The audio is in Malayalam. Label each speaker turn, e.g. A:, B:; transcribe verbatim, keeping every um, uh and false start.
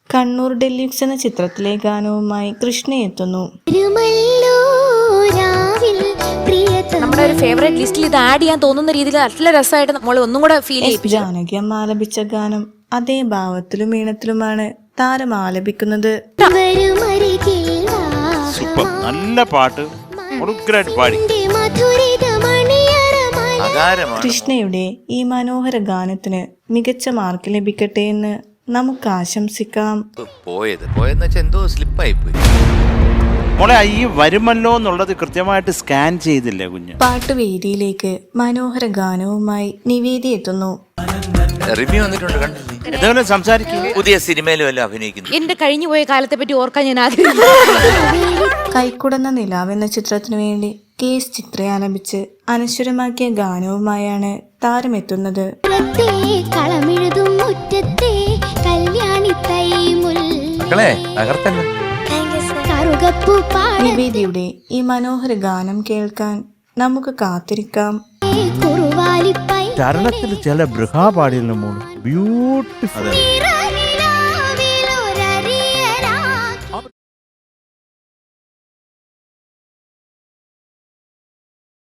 A: കണ്ണൂർ ഡെല്യൂക്സ് എന്ന ചിത്രത്തിലെ ഗാനവുമായി കൃഷ്ണ എത്തുന്നു.
B: നമ്മുടെ ഒരു ഫേവറേറ്റ് ലിസ്റ്റിൽ ഇത് ആഡ് ചെയ്യാൻ തോന്നുന്ന രീതിയിൽ നല്ല രസമായിട്ട് നമ്മൾ ഒന്നും കൂടെ ഫീൽ ചെയ്യും.
A: ജാനകി അമ്മ ആലപിച്ച ഗാനം അതേ ഭാവത്തിലും ഈണത്തിലുമാണ് താരം ആലപിക്കുന്നത്.
C: സൂപ്പർ, നല്ല പാട്ട്, പാടി.
A: കൃഷ്ണയുടെ ഈ മനോഹര ഗാനത്തിന് മികച്ച മാർക്ക് ലഭിക്കട്ടെ എന്ന് നമുക്ക് ആശംസിക്കാം.
D: പോയത് പോയെന്ന് വെച്ചാൽ എന്തോ സ്ലിപ്പായി പോയി.
C: മോളെ ഈ വരുമല്ലോ എന്നുള്ളത് കൃത്യമായിട്ട് സ്കാൻ ചെയ്തില്ലേ കുഞ്ഞ്?
A: പാട്ടുവേദിയിലേക്ക് മനോഹര ഗാനവുമായി നിവേദി എത്തുന്നു.
D: റിവ്യൂ വന്നിട്ടുണ്ട്, കണ്ടില്ലേ?
C: എന്തെങ്കിലും സംസാരിക്കും.
D: പുതിയ സിനിമയിലും എല്ലാം അഭിനയിക്കുന്നു.
B: എന്റെ കഴിഞ്ഞു പോയ കാലത്തെ പറ്റി ഓർക്കാൻ ഞാൻ ആഗ്രഹിക്കുന്നു.
A: കൈക്കുടന്ന നിലാവ് എന്ന ചിത്രത്തിനു വേണ്ടി കെ എസ് ചിത്ര ആലപിച്ച് അനശ്വരമാക്കിയ ഗാനവുമായാണ് താരമെത്തുന്നത്. നിവേദിയുടെ ഈ മനോഹര ഗാനം കേൾക്കാൻ നമുക്ക് കാത്തിരിക്കാം.
C: ചരണത്തിൽ ചില ബൃഹാപാടിയിലും ബ്യൂട്ടിഫുൾ.